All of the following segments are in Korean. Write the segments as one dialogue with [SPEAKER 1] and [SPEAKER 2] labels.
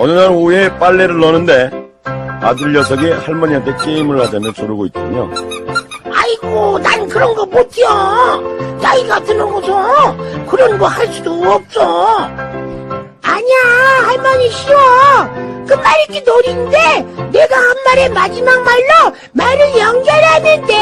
[SPEAKER 1] 어느 날 오후에 빨래를 넣는데 아들 녀석이 할머니한테 게임을 하자며 조르고 있더군요.
[SPEAKER 2] 아이고, 난 그런 거 못해요. 나이가 드는거서 그런 거 할 수도 없어. 아니야, 할머니 싫어. 끝말잇기 놀이인데 내가 한 말의 마지막 말로 말을 연결하는데.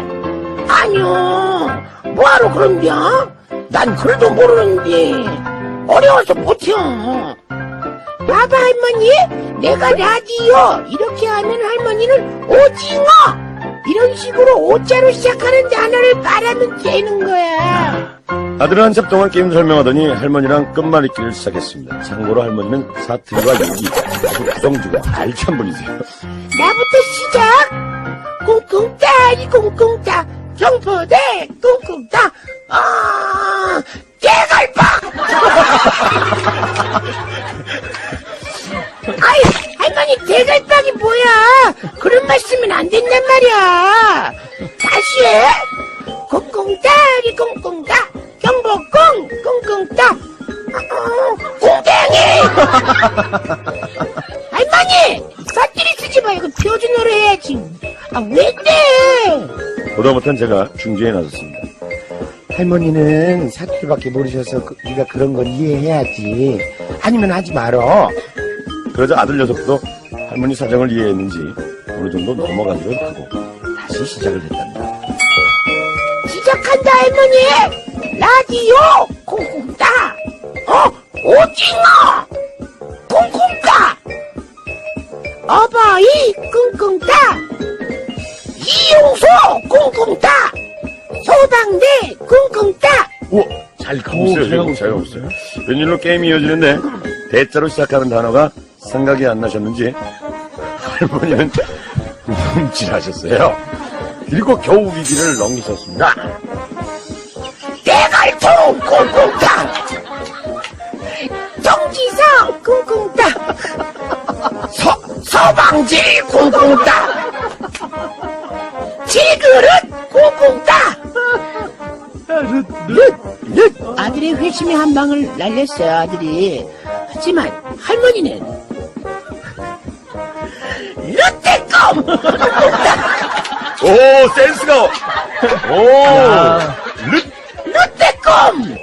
[SPEAKER 2] 아니요, 뭐하러 그런겨? 난 글도 모르는데 어려워서 못해요. 봐봐 할머니, 내가 라디오 이렇게 하면 할머니는 오징어 이런 식으로 오자로 시작하는 단어를 말하면 되는 거야.
[SPEAKER 1] 아들은 한참 동안 게임 설명하더니 할머니랑 끝말잇기를 시작했습니다. 참고로 할머니는 사투리와 얘기, 구성주가 알찬 분이세요.
[SPEAKER 2] 나부터 시작. 꿍꿍따리 꿍꿍따 경포대 꿍꿍따 대갈빵. 아이 할머니, 대갈빵이 뭐야? 그런 말 쓰면 안 된단 말이야. 다시 해. 꿍꿍따리 꿍꿍따 경복궁 꿍꿍따 꿍땡이. 할머니, 사투리 쓰지 말고 표준어로 해야지. 왜 떼?
[SPEAKER 1] 보다 못한 제가 중재에 나섰습니다.
[SPEAKER 3] 할머니는 사투리밖에 모르셔서 네가 그런 건 이해해야지. 아니면 하지 말어.
[SPEAKER 1] 그러자 아들 녀석도 할머니 사정을 이해했는지 어느 정도 넘어가기로 하고 다시 시작을 했답니다.
[SPEAKER 2] 시작한다 할머니. 라디오 쿵쿵따 오징어 쿵쿵따 어버이 쿵쿵따 이용소 쿵쿵따 소방대 쿵쿵따.
[SPEAKER 1] 우와, 잘 가고 있어요. 지금 잘 가고 있어요. 웬일로 게임이 이어지는데 대자로 시작하는 단어가 생각이 안 나셨는지 할머니는 움찔하셨어요. 그리고 겨우 위기를 넘기셨습니다.
[SPEAKER 2] 대갈통 쿵쿵따 정지석 쿵쿵따 서방지 쿵쿵따 지그릇 쿵쿵따. 아들의 회심의 한 방을 날렸어요, 아들이. 하지만 할머니는 르떼껌.
[SPEAKER 1] 오, 센스가. 오,
[SPEAKER 2] 르떼껌.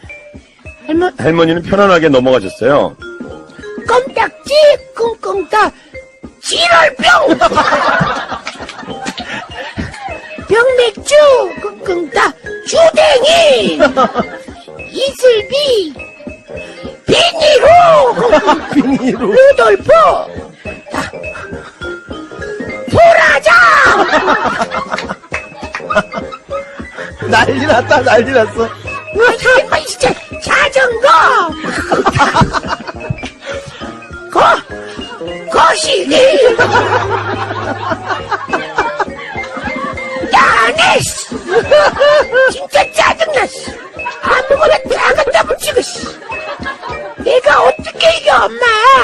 [SPEAKER 1] 할머니는 편안하게 넘어가셨어요.
[SPEAKER 2] 껌딱지 꿍꿍따 지랄병. 병맥주 꿍꿍따 주댕이 이슬비 비니로 루돌프 보라장.
[SPEAKER 3] 난리 났다, 난리 났어.
[SPEAKER 2] 할머니 진짜 자전거 거시기 야네 진짜 짜증나. 아무거나 다 갖다 붙이고. 내가 어떻게 이겨 엄마.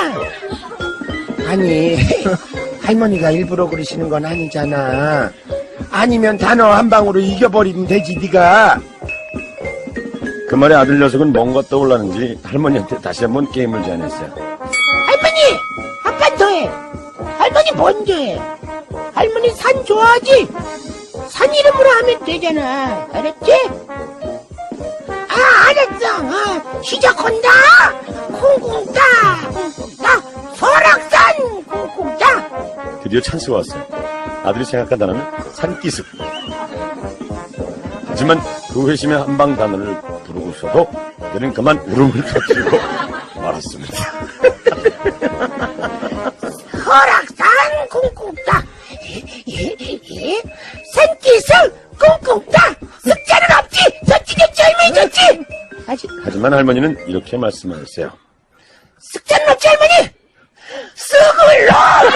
[SPEAKER 3] 아니, 할머니가 일부러 그러시는 건 아니잖아. 아니면 단어 한 방으로 이겨버리면 되지, 네가.
[SPEAKER 1] 그 말에 아들 녀석은 뭔가 떠올랐는지 할머니한테 다시 한번 게임을 제안했어요.
[SPEAKER 2] 할머니, 한 판 더 해. 할머니 먼저 해. 할머니 산 좋아하지? 산 이름으로 하면 되잖아. 알았지? 알았어. 시작한다. 쿵쿵따 쿵쿵따 설악산 쿵쿵따.
[SPEAKER 1] 드디어 찬스가 왔어요. 아들이 생각한 단어는 산기슭. 하지만 그 회심의 한방 단어를 부르고서도 그는 그만 울음을 터뜨리고 말았습니다.
[SPEAKER 2] 설악산 쿵쿵따 산기슭 쿵쿵따 쓱자는 없지. 저찌겠지 할머니 저찌.
[SPEAKER 1] 하지만 할머니는 이렇게 말씀하셨어요.
[SPEAKER 2] 쓱자는 없지 할머니. 쓱을 넣어.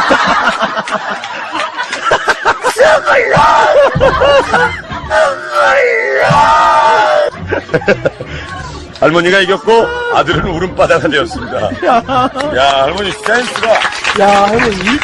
[SPEAKER 2] 쓱을 넣어.
[SPEAKER 1] 할머니가 이겼고 아들은 울음바다가 되었습니다. 야, 할머니 센스가.
[SPEAKER 3] 야, 할머니.